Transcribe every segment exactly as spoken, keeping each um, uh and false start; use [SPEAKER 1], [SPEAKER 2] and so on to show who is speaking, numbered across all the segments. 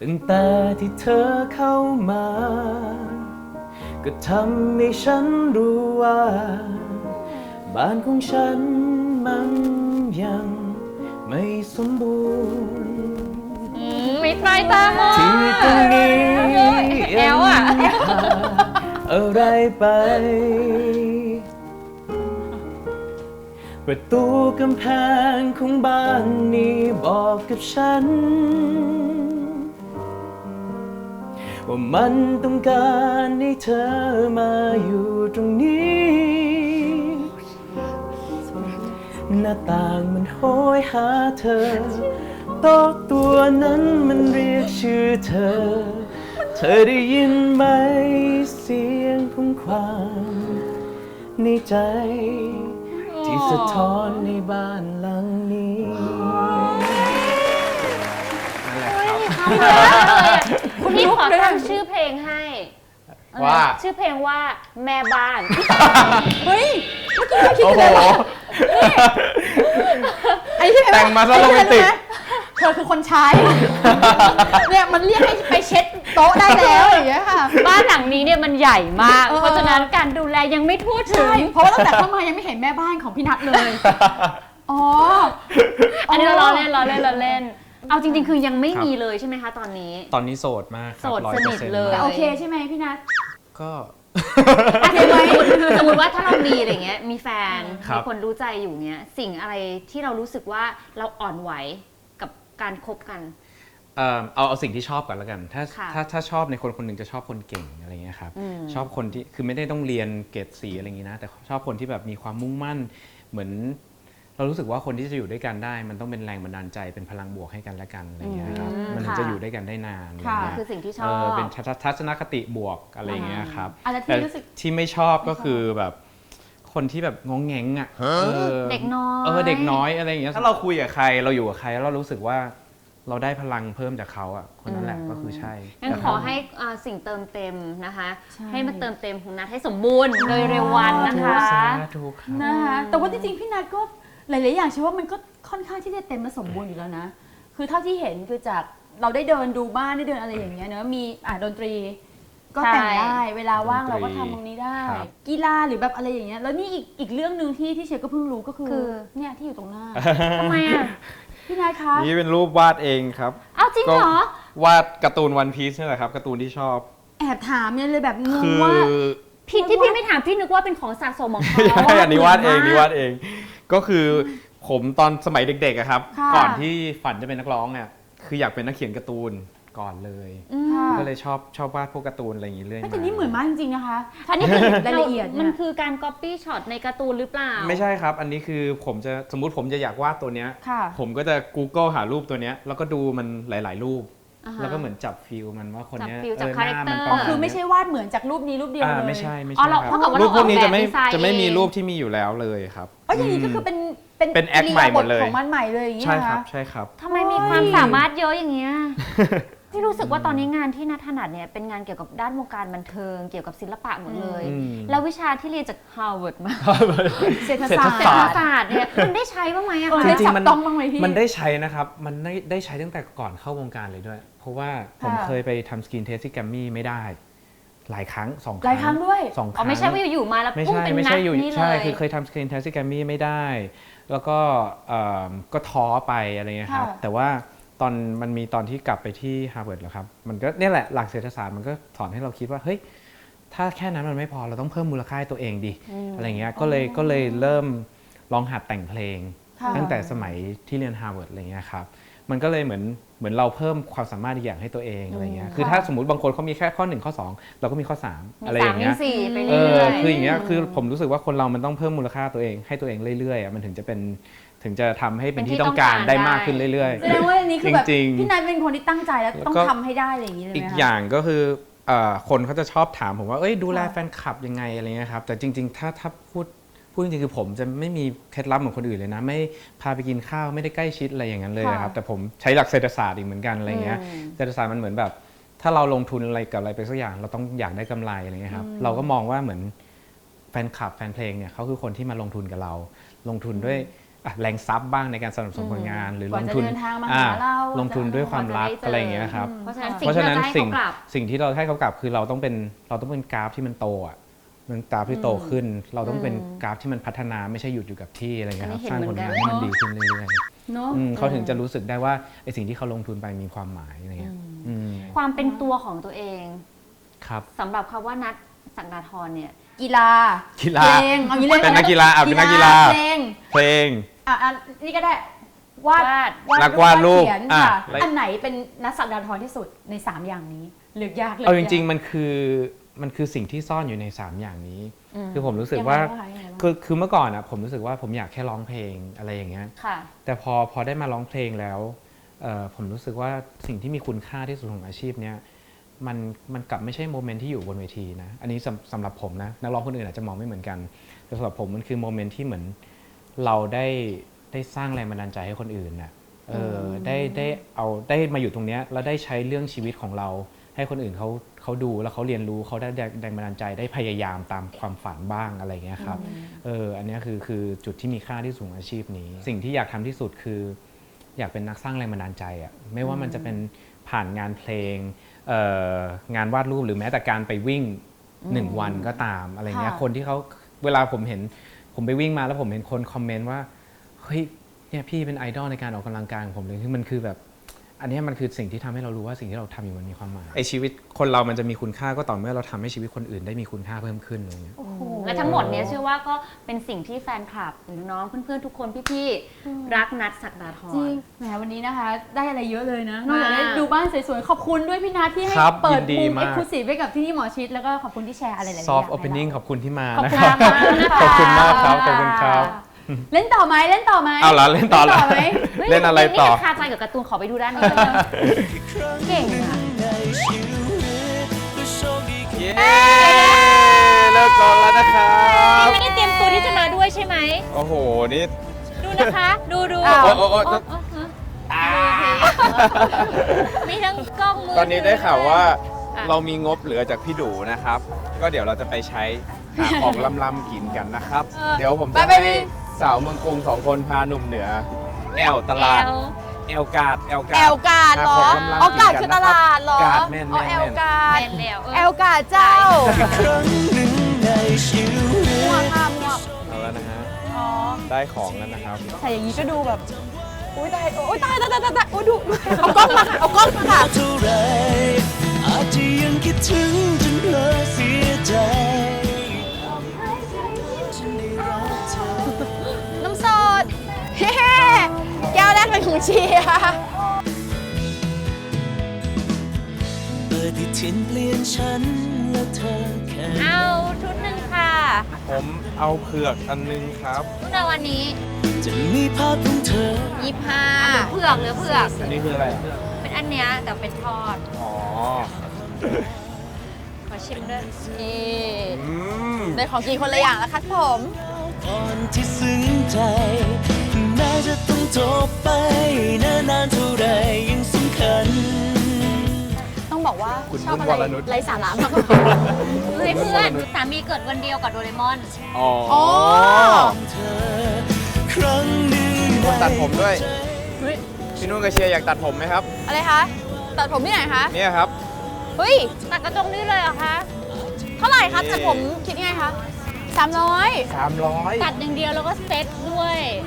[SPEAKER 1] ตั้งแต่ที่เธอเข้ามาก็ทำให้ฉันรู้ว่าบ้านของฉันมันยังไม่สมบูรณ์
[SPEAKER 2] มิดไม้ตามอง
[SPEAKER 1] ที่ตรงนี้
[SPEAKER 2] แอลอ่ะ
[SPEAKER 1] อะไรไปประตูกำแพงของบ้านนี้บอกกับฉันว่ามันต้องการให้เธอมาอยู่ตรงนี้หน้าต่างมันโหยหาเธอโต๊ะตัวนั้นมันเรียกชื่อเธอเธอได้ยินไหมเสียงของความในใจที่สะท้อนในบ้านหลังนี้นั่นแหละครับ
[SPEAKER 2] คุณพี่ขอตั้งชื่อเพลงให้
[SPEAKER 1] ว่า
[SPEAKER 2] ชื่อเพลงว่าแม่บ้าน
[SPEAKER 3] เฮ้ยเมื่อกี้เราคิดกันเลยว่าไอ้ที่
[SPEAKER 1] แต่งมาซะโรแมนติก
[SPEAKER 3] เธอคือคนใช้เนี่ยมันเรียกให้ไปเช็ดโต๊ะได้แล้วอย่างเงี้ยค่ะ
[SPEAKER 2] บ้านหลังนี้เนี่ยมันใหญ่มากเพราะฉะนั้นการดูแลยังไม่ทั่วถึง
[SPEAKER 3] เพราะว่าตั้งแต่เข้ามายังไม่เห็นแม่บ้านของพี่นัทเลยอ๋อ
[SPEAKER 2] อันนี้เราล้อเล่นล้อเล่นล้อเล่นเอาจริงๆคือยังไม่มีเลยใช่ไหมคะตอนนี้
[SPEAKER 1] ตอนนี้โสดมาก
[SPEAKER 2] โสดสนิทเลย
[SPEAKER 3] แต่โอเคใช่ไหมพี่นัท
[SPEAKER 1] ก็
[SPEAKER 2] สมมติว่าถ้าเรามีอะไรเงี้ยมีแฟนมีคนรู้ใจอยู่เนี้ยสิ่งอะไรที่เรารู้สึกว่าเราอ่อนไหวกับการคบกัน
[SPEAKER 1] เอาเอาสิ่งที่ชอบก่อนแล้วกันถ้าถ้าถ้าชอบในคนคนหนึ่งจะชอบคนเก่งอะไรเงี้ยครับชอบคนที่คือไม่ได้ต้องเรียนเกรดสีอะไรอย่างนี้นะแต่ชอบคนที่แบบมีความมุ่งมั่นเหมือนเรารู้สึกว่าคนที่จะอยู่ด้วยกันได้มันต้องเป็นแรงบันดาลใจเป็นพลังบวกให้กันและกันอะไรเงี้ยครับมันถึงจะอยู่ด้วยกันได้นาน
[SPEAKER 2] คือสิ่งที่ชอบ
[SPEAKER 1] เป็นทัศนคติบวกอะไรเงี้ยครับ
[SPEAKER 3] แต่
[SPEAKER 1] ที่ไม่ชอบก็คือแบบคนที่แบบงงแงงอ่ะ
[SPEAKER 2] เด็กน้อย
[SPEAKER 1] เออเด็กน้อยอะไรอย่างเงี้ยถ้าเราคุยกับใครเราอยู่กับใครแล้วเรารู้สึกว่าเราได้พลังเพิ่มจากเขาอ่ะคนนั้นแหละก็คือใช่
[SPEAKER 2] งั้นขอให้สิ่งเติมเต็มนะคะให้มาเติมเต็มของนัทให้สมบูรณ์โดยเร็ววันนะคะ
[SPEAKER 3] นะคะแต่ว่าจริงๆพี่นัทก็หลายๆอย่างเชื่อว่ามันก็ค่อนข้างที่จะเต็มและสมบูรณ์อยู่แล้วนะคือเท่าที่เห็นคือจากเราได้เดินดูบ้านได้เดินอะไรอย่างเงี้ยเนอะมีอ่าดนตรีก็แต่งได้เวลาว่างเราก็ทำตรงนี้ได้กีฬาหรือแบบอะไรอย่างเงี้ยแล้วนี่อีกอีกเรื่องนึงที่ที่เชฟก็เพิ่งรู้ก็คือเนี่ยที่อยู่ตรงหน้า
[SPEAKER 2] ทำไมอ่ะ
[SPEAKER 3] พี่นายคะ
[SPEAKER 1] นี่เป็นรูปวาดเองครับ
[SPEAKER 2] อ้าวจริงเหรอ
[SPEAKER 1] วาดการ์ตูนวันพีซนี่แหละครับการ์ตูนที่ชอบ
[SPEAKER 3] แอบถามเนี่ยเลยแบบงงว่า
[SPEAKER 2] พี่ที่พี่ไม่ถามพี่นึกว่าเป็นของสะสมของเขา
[SPEAKER 1] ใช่อันนี้วาดเองนี่วาดเองก็คือผมตอนสมัยเด็กๆครับก่อนที่ฝันจะเป็นนักร้องเนี่ยคืออยากเป็นนักเขียนการ์ตูนก่อนเลยก็เลยชอบชอบวาดพวกการ์ตูนอะไรอย่างนี้เรื่อยมา
[SPEAKER 3] แต่นี่เหมือนมากจริงๆนะคะท่านนี่คือรายละเอียด
[SPEAKER 2] มันคือการ copy shot ในการ์ตูนหรือเปล่า
[SPEAKER 1] ไม่ใช่ครับอันนี้คือผมจะสมมุติผมจะอยากวาดตัวเนี้ยผมก็จะ Google หารูปตัวเนี้ยแล้วก็ดูมันหลายๆรูปแล้วก็เหมือนจับฟิลมันว่าคนนี้
[SPEAKER 2] จับคาแรคเตอร์
[SPEAKER 3] คือไม่ใช่วาดเหมือนจากรูปนี้รูปเดียวเลย
[SPEAKER 1] ไม่ใช่ไม่ใช่ครับรูปพวกนี้จะไม่จะไม่มีรูปที่มีอยู่แล้วเลยครับ
[SPEAKER 3] อ๋ออย่างนี้ก็คือเป็น
[SPEAKER 1] เป็นแอคใหม่หมดเลย
[SPEAKER 3] ของมันใหม่เลยอย่างเงี้ย
[SPEAKER 1] ใช่ครับใช่ครับ
[SPEAKER 2] ทำไมมีความสามารถเยอะอย่างเงี้ยที่รู้สึกว่าตอนนี้งานที่นัทถนัดเนี่ยเป็นงานเกี่ยวกับด้านวงการบันเทิงเกี่ยวกับศิลปะหมดเลยแล้ววิชาที่เรียนจากฮาร์วาร์ดมาเศรษฐศาสตร์เศรษฐศาสตร์เนี่ยมันได้ใช้บ้างไหมอะคะ
[SPEAKER 1] จริงๆมันมันได้ใช้นะครับมันได้ได้ใช้ตั้งแต่ก่อนเข้าวงการเลยด้วยเพราะว่าผมเคยไปทำสกินเทสที่แกรมมี่ไม่ได้หลายครั้งสองครั้ง
[SPEAKER 3] หลายครั้งด้วย
[SPEAKER 1] สองครั้ง
[SPEAKER 2] ไม่ใช่ว่าอยู่ๆมาแล้วปุ้งเป็นนักนี่เลย
[SPEAKER 1] ใช่คือเคยทำสกินเทสที่แกรมมี่ไม่ได้แล้วก็ก็ท้อไปอะไรเงี้ยครับแต่ว่าตอนมันมีตอนที่กลับไปที่ฮาร์วาร์ดแล้วครับมันก็เนี่ยแหละหลักเศรษฐศาสตร์มันก็สอนให้เราคิดว่าเฮ้ยถ้าแค่นั้นมันไม่พอเราต้องเพิ่มมูลค่าตัวเองดิอะไรเงี้ยก็เลยก็เลยเริ่มลองหัดแต่งเพลงตั้งแต่สมัยที่เรียนฮาร์วาร์ดอะไรเงี้ยครับมันก็เลยเหมือนเหมือนเราเพิ่มความสามารถอีกอย่างให้ตัวเองอะไรเงี้ยคือถ้าสมมติบางคนเขามีแค่ข้อหนึ่งข้อสองเราก็มีข้อสามอะไรอย่างเงี้ยเออคืออย่างเงี้ยคือผมรู้สึกว่าคนเรามันต้องเพิ่มมูลค่าตัวเองให้ตัวเองเรื่อยๆมันถึงจะเป็นถึงจะทำให้เป็นที่ต้องการได้มากขึ้นเรื่อยๆ
[SPEAKER 3] แสดงว่าอันนี้คือแบบพี่นายเป็นคนที่ตั้งใจแล้วต้องทำให้ได้อะไรอย่างนี้เลย
[SPEAKER 1] อีกอย่างก็คือคนเขาจะชอบถามผมว่าเอ้ยดูแลแฟนคลับยังไงอะไรเงี้ยครับแต่จริงๆถ้าถ้าพูดพูดจริงๆคือผมจะไม่มีเคล็ดลับเหมือนคนอื่นเลยนะไม่พาไปกินข้าวไม่ได้ใกล้ชิดอะไรอย่างนั้นเลยครับแต่ผมใช้หลักเศรษฐศาสตร์อีกเหมือนกันอะไรเงี้ยเศรษฐศาสตร์มันเหมือนแบบถ้าเราลงทุนอะไรกับอะไรไปสักอย่างเราต้องอยากได้กำไรอะไรเงี้ยครับเราก็มองว่าเหมือนแฟนคลับแฟนเพลงเนี่ยเขาคือคนที่มาลงทุนกับเราลงทุนด้วยอ่ะแรงซับบ้างในการสนับสนุนผลงาน หรือก ล
[SPEAKER 3] ว่าง จะ
[SPEAKER 1] ทุน
[SPEAKER 3] เดินทางมา
[SPEAKER 1] อ่า
[SPEAKER 3] หาเรา
[SPEAKER 1] ลงทุนด้วยความรัก
[SPEAKER 3] กว่าจะได้เจออ
[SPEAKER 1] อะไรอย่างเงี้ยครับ
[SPEAKER 2] เพราะฉะนั้น
[SPEAKER 1] เพราะฉะนั้น
[SPEAKER 2] สิ่
[SPEAKER 1] สิ่
[SPEAKER 2] ง
[SPEAKER 1] ง
[SPEAKER 2] ที่เราจะให้เขากลับ
[SPEAKER 1] สิ่งที่เราให้เขากลับคือเราต้องเป็นเราต้องเป็นกราฟที่มันโตอ่ะมันกราฟที่โตขึ้น เราต้องเป็นกราฟที่มันพัฒนาไม่ใช่หยุดอยู่กับที่อะไรเงี้ยครับ
[SPEAKER 2] อันนี้
[SPEAKER 1] สร้าง
[SPEAKER 2] เห็น
[SPEAKER 1] ผลงาน
[SPEAKER 2] เหมือนกัน
[SPEAKER 1] ให้มันดีขึ้นเรื่อย
[SPEAKER 3] เนาะ
[SPEAKER 1] ๆอืมเขาถึงจะรู้สึกได้ว่าไอสิ่งที่เขาลงทุนไปมีความหมายอะไรเงี้ยอืม
[SPEAKER 2] ความเป็นตัวของตัวเอง
[SPEAKER 1] ครับ
[SPEAKER 2] สำหรับคำว่านัทศักดาธรเนี่ย
[SPEAKER 3] กีฬา
[SPEAKER 1] กีฬา
[SPEAKER 3] เพลงเอางี้เลย
[SPEAKER 1] เป็นนักกีฬาอ่ะเป็นนักกีฬา
[SPEAKER 3] เพลง
[SPEAKER 1] เพลง
[SPEAKER 3] อ่ะอ่ะนี่ก็ได้วาด
[SPEAKER 2] วาด
[SPEAKER 1] นักวาดรูป
[SPEAKER 3] เขียน
[SPEAKER 1] อ่ะ
[SPEAKER 3] ค่ะ
[SPEAKER 1] แล้ว
[SPEAKER 3] อันไหนเป็นนักศักดาธรที่สุดในสามอย่างนี้เลือกยากเลย
[SPEAKER 1] เอาจริงๆมันคือมันคือสิ่งที่ซ่อนอยู่ในสามอย่างนี้ คือผมรู้สึกว่า
[SPEAKER 3] ยังไงบ้งคะยังไงบ้าง
[SPEAKER 1] คือคือเมื่อก่อนอ่ะผมรู้สึกว่าผมอยากแค่ร้องเพลงอะไรอย่างเงี้ย
[SPEAKER 2] ค่ะ
[SPEAKER 1] แต่พอพอได้มาร้องเพลงแล้วเอ่อผมรู้สึกว่าสิ่งที่มีคุณค่าที่สุดของอาชีพเนี้ยมันมันกลับไม่ใช่โมเมนต์ที่อยู่บนเวทีนะอันนี้สำสำหรับผมนะนักร้องคนอื่นอาจจะมองไม่เหมือนกันแต่สำหรับผมมันคือโมเมนต์ที่เหมือนเราได้ได้สร้างแรงบันดาลใจให้คนอื่นน่ะเออได้ได้เอาได้มาอยู่ตรงเนี้ยแล้วได้ใช้เรื่องชีวิตของเราให้คนอื่นเขาเขาดูแล้วเขาเรียนรู้เขาได้แรงบันดาลใจได้พยายามตามความฝันบ้างอะไรเงี้ยครับเอออันเนี้ยคือคือจุดที่มีค่าที่สูงอาชีพนี้ สิ่งที่อยากทำที่สุดคือ อยากเป็นนักสร้างแรงบันดาลใจอ่ะไม่ว่ามันจะเป็นผ่านงานเพลงเอ่องานวาดรูปหรือแม้แต่การไปวิ่งหนึ่งวันก็ตามอะไรเงี้ย
[SPEAKER 3] ค่ะ
[SPEAKER 1] คนที่เขาเวลาผมเห็นผมไปวิ่งมาแล้วผมเห็นคนคอมเมนต์ว่าเฮ้ยเนี่ยพี่เป็นไอดอลในการออกกำลังกายของผมเลยคือมันคือแบบอันเนี้ยมันคือสิ่งที่ทำให้เรารู้ว่าสิ่งที่เราทำอยู่มันมีความหมายไอชีวิตคนเรามันจะมีคุณค่าก็ต่อเมื่อเราทำให้ชีวิตคนอื่นได้มีคุณค่าเพิ่มขึ้นอะไรเงี้ย
[SPEAKER 3] โอ้โห
[SPEAKER 2] และทั้งหมดเนี้ยเชื่อว่าก็เป็นสิ่งที่แฟนคลับหรือน้องๆเพื่อนๆทุกคนพี่ๆรักนัทศักดาธ
[SPEAKER 3] จริ
[SPEAKER 2] ร
[SPEAKER 3] งแหมวันนี้นะคะได้อะไรเยอะเลยนะนอกจาก
[SPEAKER 2] มาก
[SPEAKER 3] ได้ดูบ้านสวยๆ ขอบคุณด้วยพี่นัทที่ให้
[SPEAKER 1] ครับ
[SPEAKER 3] เปิด
[SPEAKER 1] ยินดี
[SPEAKER 3] มุม
[SPEAKER 1] มาก
[SPEAKER 3] เอ็กซ์คลูซีฟให้กับที่นี่หมอชิดแล้วก็ขอบคุณที่แชร์อะไรหลายๆอย่าง
[SPEAKER 1] ซอฟต์
[SPEAKER 3] ให้
[SPEAKER 1] โอเพนนิ่ง
[SPEAKER 3] รา
[SPEAKER 1] ขอบคุณที่มา
[SPEAKER 3] ขอบ
[SPEAKER 1] นะ
[SPEAKER 3] คุณ
[SPEAKER 1] ครับ
[SPEAKER 3] มากนะคะ
[SPEAKER 1] ขอบคุณมากครับขอบคุณครับ
[SPEAKER 3] เล่นต่อไหมเล่นต่อไหม
[SPEAKER 1] เอาล่ะเล่นต่อ
[SPEAKER 3] เล่นต่อไหม
[SPEAKER 2] ฮ้ย
[SPEAKER 1] เล่นอะไรต่อ
[SPEAKER 2] นี่คาใจกับการ์ตูนขอไปดูด้านนี้เลยนะเก่งอะ
[SPEAKER 1] เย้เลิกก่อนแล้วนะครับ
[SPEAKER 2] นี่ไม่ได้เตรียมตัวที่จะมาด้วยใช่ไหม
[SPEAKER 1] โอ้โห นี่
[SPEAKER 2] ดูนะคะ ดูดู
[SPEAKER 3] อ้าว
[SPEAKER 1] โอ้โอ้โอ้
[SPEAKER 2] โอ้โอ้ฮะมีทั้งกล้องมือ
[SPEAKER 4] ตอนนี้ได้ข่าวว่า
[SPEAKER 2] อ่ะ
[SPEAKER 4] เรามีงบเหลือจากพี่ดูนะครับ ก็เดี๋ยวเราจะไปใช้หาของล้ำๆกินกันนะครับ เดี๋ยวผมจะ
[SPEAKER 3] ไปไป
[SPEAKER 4] ให้สาวเมืองกรุงสองคนพาหนุ่มเหนือ แอลตลาด
[SPEAKER 2] แอล
[SPEAKER 4] แอลกาดแอลกา
[SPEAKER 3] แอ
[SPEAKER 4] ด
[SPEAKER 3] ลกาดเหรอ
[SPEAKER 4] หาของล้ำๆ
[SPEAKER 3] อ๋อกาด
[SPEAKER 4] กิน
[SPEAKER 3] คือ
[SPEAKER 4] กัน
[SPEAKER 3] ต
[SPEAKER 4] นะครับ
[SPEAKER 3] ลาดเหรอก
[SPEAKER 4] าดแม่น
[SPEAKER 3] อ๋อ
[SPEAKER 4] แม่น
[SPEAKER 3] แอล
[SPEAKER 4] แม่น
[SPEAKER 3] กาด
[SPEAKER 2] แม่นแล้วเออ
[SPEAKER 3] แอลกาดเจ้า
[SPEAKER 4] ครั้งหนึ่งในชีวิต
[SPEAKER 3] มั่วค่ะมั่ว
[SPEAKER 1] เอาแล้วนะฮะ
[SPEAKER 3] อ๋อ
[SPEAKER 1] ได้ของแล้วนะครับ
[SPEAKER 3] ใส่อย่างนี้ก็ดูแบบอุ้ยตายโอ้ยตายตายตายตายตายโอ้ยดูดูเอากล้องมาค่ะเอากล้องมาค่ะ
[SPEAKER 4] เท่าไรอาจจะยังคิดถึงจนเพลอเสียใจ
[SPEAKER 3] น้ำสดเฮ้แก้วแรกเป็นของเชียร์
[SPEAKER 4] เบอร์ที่เทียนเปลี่ยนฉันและเธอแค่
[SPEAKER 2] เอาชุดหนึ่งค่ะ
[SPEAKER 1] ผมเอาเผือกอันนึงครับ
[SPEAKER 2] ชุดในวันนี้
[SPEAKER 4] จะมีภาพของเธอ
[SPEAKER 2] ยี่ห้าเผือกหรือเผือก
[SPEAKER 1] อันนี้คืออะไรอ่ะ
[SPEAKER 2] เป็นอันเนี้ยแต่เป็นทอด
[SPEAKER 1] อ๋อ
[SPEAKER 2] ขอชิมด้วย
[SPEAKER 3] นี่
[SPEAKER 1] อืม
[SPEAKER 3] ได้ของกินคนละอย่างแล้วครับผม
[SPEAKER 4] ก่อนที่ซึ้งใจแม้จะต้องจบไปนานๆเท่าไรยังสำคัญ
[SPEAKER 3] ต้องบอกว่า
[SPEAKER 1] คุณ
[SPEAKER 3] ชอบ
[SPEAKER 1] นุ่น
[SPEAKER 3] อะ
[SPEAKER 1] ว
[SPEAKER 3] ไร
[SPEAKER 1] รนุช
[SPEAKER 3] ไรสาระมาก
[SPEAKER 2] เฮ้ยเพื่อนสามีเกิดวันเดียวกับโดเรมอน
[SPEAKER 1] อ๋อ
[SPEAKER 3] อ๋อ
[SPEAKER 4] เธอครั้งหนึ่ง
[SPEAKER 1] คนตัดผมด้วย
[SPEAKER 3] เฮ้ย
[SPEAKER 1] พี่นุ่นกับเชียร์อยากตัดผมไหมครับ
[SPEAKER 3] อะไรคะตัดผมที่ไหนคะ
[SPEAKER 1] เนี่ยครับ
[SPEAKER 3] เฮ้ย
[SPEAKER 2] ตัดกระจงนี่เลยเหรอคะ
[SPEAKER 3] เท่าไหร่คะตัดผมคิดยังไงคะสามร้อย
[SPEAKER 1] สามร้อย
[SPEAKER 2] ตัดอย่างเดียวแล้วก็เซ็ตด้วย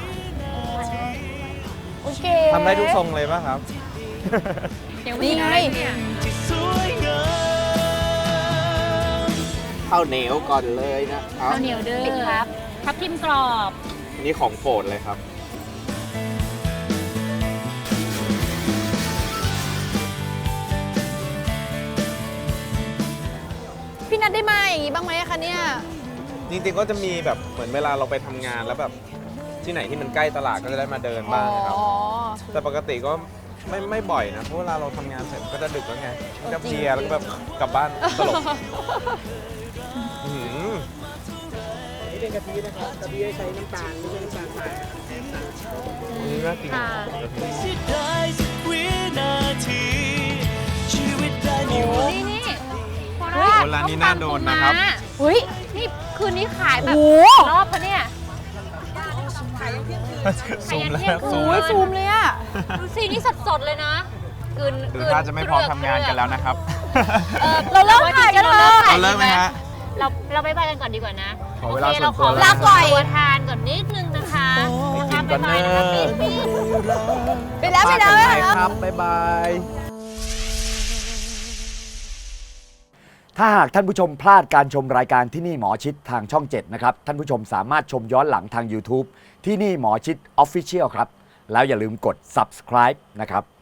[SPEAKER 3] โอเค
[SPEAKER 1] ทำได้ทุกทรงเลยป่ะครับ
[SPEAKER 2] เดี๋ยว
[SPEAKER 3] นี่ไง
[SPEAKER 2] เนี่ย
[SPEAKER 4] ที่สวยงามข้าวเหนียวก่อนเลยนะครับ
[SPEAKER 2] ข้าวเหนียวเด้อครับทับทิมกรอบ
[SPEAKER 4] นี่ของโปรดเลยครับ
[SPEAKER 3] พี่นัดได้มาอย่างนี้บ้างไหมคะเนี่ย
[SPEAKER 4] จริงๆก็จะมีแบบเหมือนเวลาเราไปทำงานแล้วแบบที่ไหนที่มันใกล้ตลาดก็จะได้มาเดินบ้างนะครับ
[SPEAKER 3] อ๋อ
[SPEAKER 4] แต่ปกติก็ไม่ไม่บ่อยนะเพราะเวลาเราทำงานเสร็จก็จะดึกแล้วไง
[SPEAKER 3] เออ
[SPEAKER 4] ก็
[SPEAKER 3] จริง
[SPEAKER 4] เพลียแล้วก็แบบกลับบ้านตลบอื้อหือ
[SPEAKER 5] นี่เป็นกะทินะครับกะทิใช้น้ำตาลไม่ใช่น้ำตาลทราย
[SPEAKER 1] นี่น่ากิน
[SPEAKER 2] ค่ะ
[SPEAKER 4] เสียดายสักวินาทีชีวิตได้มีวัน
[SPEAKER 2] นี่นี่โค
[SPEAKER 1] โอ้ร้านนี้น่าโดนนะครับ
[SPEAKER 3] เฮ้ย
[SPEAKER 2] นี่คืนนี้ขายแบบ
[SPEAKER 3] โอ้
[SPEAKER 2] รอบปะเนี่ย
[SPEAKER 5] ขายยังเที่ยงคืน
[SPEAKER 2] ซูมแล้วซูม
[SPEAKER 3] โอ้ยซูมเลยอะ
[SPEAKER 2] ดูสินี่สดๆเลยนะกลืน
[SPEAKER 6] หรือถ้าจะไม่พร้อมทำงานกันแล้วนะครับ
[SPEAKER 2] เออ
[SPEAKER 3] เราเลิกถ่ายกันเถอะ
[SPEAKER 6] เราเลิกไหมฮะ
[SPEAKER 2] เราเราไปไปกันก่อนดีกว่านะ
[SPEAKER 6] ขอเวลา
[SPEAKER 2] โอค
[SPEAKER 6] ส่วนตัว
[SPEAKER 2] เราขอ
[SPEAKER 3] ลาก่อย
[SPEAKER 2] ตัวทานก่อนนิดนึงนะคะนะคะ
[SPEAKER 6] ไปกินก่อนเนอะ
[SPEAKER 2] บ๊ายบายนะคะปิ๊งปิ๊ง
[SPEAKER 3] ไปแล้วไปแล้ว
[SPEAKER 6] ฝาก
[SPEAKER 3] ไป
[SPEAKER 6] กัน
[SPEAKER 3] แล้ว
[SPEAKER 6] ครับ บ๊ายบาย
[SPEAKER 7] ถ้าหากท่านผู้ชมพลาดการชมรายการที่นี่หมอชิดทางช่อง เจ็ด นะครับ ท่านผู้ชมสามารถชมย้อนหลังทาง YouTube ที่นี่หมอชิด Official ครับ แล้วอย่าลืมกด Subscribe นะครับ